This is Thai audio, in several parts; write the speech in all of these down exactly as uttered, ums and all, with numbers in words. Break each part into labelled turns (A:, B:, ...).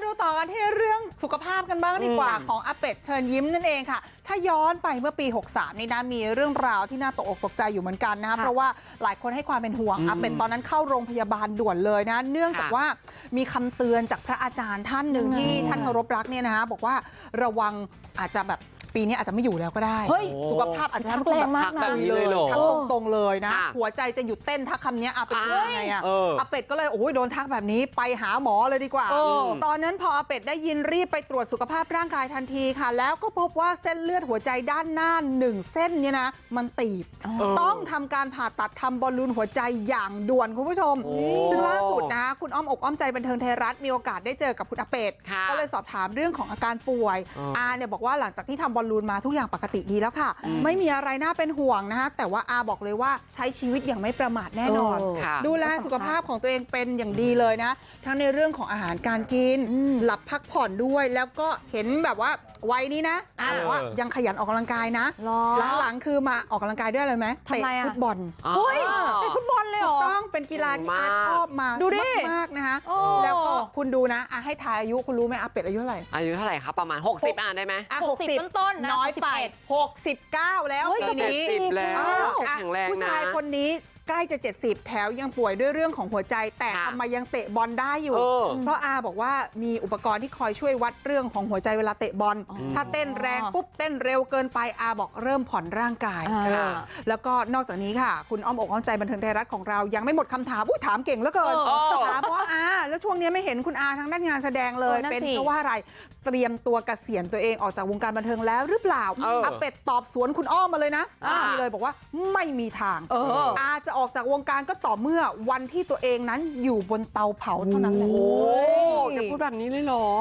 A: ดูต่อกันที่เรื่องสุขภาพกันบ้างดีกว่าของอาเป็ดเชิญยิ้มนั่นเองค่ะถ้าย้อนไปเมื่อปีหกสามนี่นะมีเรื่องราวที่น่าตกอกตกใจอยู่เหมือนกันนะคะเพราะว่าหลายคนให้ความเป็นห่วงอาเป็ดตอนนั้นเข้าโรงพยาบาลด่วนเลยนะเนื่องจากว่ามีคำเตือนจากพระอาจารย์ท่านหนึ่งที่ท่านเคารพรักเนี่ยนะคะบอกว่าระวังอาจจะแบบปีนี้อาจจะไม่อยู่แล้วก็ได้สุขภาพอาจจะทำให้คุณแบบพักแบบนี้เลยทักตรงๆเลยนะหัวใจจะหยุดเต้นถ้าคำนี้อาเป็ดยังไงอะอาเป็ดก็เลยโอ้ยโดนทักแบบนี้ไปหาหมอเลยดีกว่าตอนนั้นพออาเป็ดได้ยินรีบไปตรวจสุขภาพร่างกายทันทีค่ะแล้วก็พบว่าเส้นเลือดหัวใจด้านหน้าหนึ่งเส้นเนี่ยนะมันตีบต้องทำการผ่าตัดทำบอลลูนหัวใจอย่างด่วนคุณผู้ชมซึ่งล่าสุดนะคะคุณอ้อมอกอ้อมใจบันเทิงไทยรัฐมีโอกาสได้เจอกับคุณอาเป็ดก็เลยสอบถามเรื่องของอาการป่วยอาเนี่ยบอกว่าหลังจากที่ทำบอลลูนมาทุกอย่างปกติดีแล้วค่ะไม่มีอะไรน่าเป็นห่วงนะคะแต่ว่าอาบอกเลยว่าใช้ชีวิตอย่างไม่ประมาทแน่นอนดูแลสุขภาพของตัวเองเป็นอย่างดีเลยนะทั้งในเรื่องของอาหารการกินหลับพักผ่อนด้วยแล้วก็เห็นแบบว่าวัยนี้นะอาบอกว่ายังขยันออกกำลังกายนะหลังๆคือมาออกกำลังกายด้วยอะไรไหมเตะฟุตบอล
B: เฮ้ยเตะฟุตบอลเลยเหรอ
A: ต้องเป็นกีฬาที่อาชอบมาดูดิมากนะคะแล้วก็คุณดูนะให้ทายอายุคุณรู้ไหมอาเป็ดอายุเท่าไหร่
C: อายุเท่าไหร่ครับประมาณหกสิบอ่ะได้ไหม
B: หกสิบต้นๆ
A: น้อยไปหกสิบเก้าแล้วปีนี้แข็งแรงนะผู้ชายคนนี้ใกล้จะเจ็ดสิบแถวยังป่วยด้วยเรื่องของหัวใจแต่ทำไมยังเตะบอลได้อยู่เพราะอาบอกว่ามีอุปกรณ์ที่คอยช่วยวัดเรื่องของหัวใจเวลาเตะบอลถ้าเต้นแรงปุ๊บเต้นเร็วเกินไปอาบอกเริ่มผ่อนร่างกายแล้วก็นอกจากนี้ค่ะคุณอ้อมอกอ้อมใจบันเทิงไทยรัฐของเรายังไม่หมดคำถามอุ้ยถามเก่งเหลือเกินถามเพราะว่าอาแล้วช่วงนี้ไม่เห็นคุณอาทางด้านงานแสดงเลยเป็นเพราะว่าอะไรเตรียมตัวเกษียณตัวเองออกจากวงการบันเทิงแล้วหรือเปล่าอาเป็ดตอบสวนคุณอ้อมมาเลยนะนี่เลยบอกว่าไม่มีทางอาจะออกจากวงการก็ต่อเมื่อวันที่ตัวเองนั้นอยู่บนเตาเผาเท่านั้นแหละ
C: โอ้จะพูดแบบนี้เลยเหรอ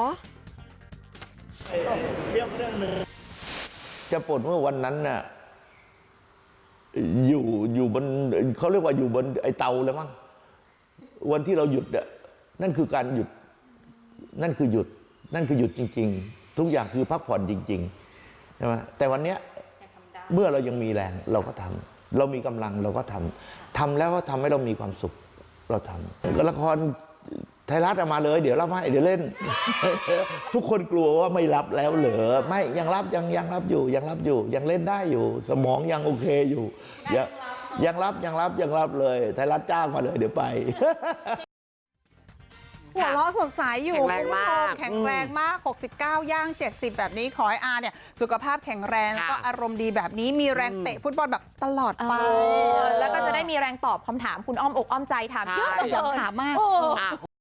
D: จะปลดเมื่อวันนั้นน่ะอยู่อยู่บนเขาเรียกว่าอยู่บนไอเตาเลยมั้งวันที่เราหยุดอ่ะนั่นคือการหยุดนั่นคือหยุดนั่นคือหยุดจริงๆทุกอย่างคือพักผ่อนจริงๆใช่ไหมแต่วันเนี้ยเมื่อเรายังมีแรงเราก็ทำเรามีกำลังเราก็ทำทำแล้วก็ทำให้เรามีความสุขเราทำละครไทยรัฐมาเลยเดี๋ยวรับให้เดี๋ยวเล่น ทุกคนกลัวว่าไม่รับแล้วเหรอไม่ยังรับยังยังรับอยู่ยังรับอยู่ยังเล่นได้อยู่สมองยังโอเคอยู่ยังยังรับยังรับยังรับเลยไทยรัฐจ้างมาเลยเดี๋ยวไป
A: หัวเราะสดใสอยู่คุณผู้ชมแข็งแรงมากหกสิบเก้าย่างเจ็ดสิบแบบนี้ขอให้อาเนี่ยสุขภาพแข็งแรงแล้วก็อารมณ์ดีแบบนี้มีแรงเตะฟุตบอลแบบตลอดไป
B: แล้วก็จะได้มีแรงตอบคำถามคุณอ้อมอกอ้อมใจถามเยอะเลย
A: ถามมาก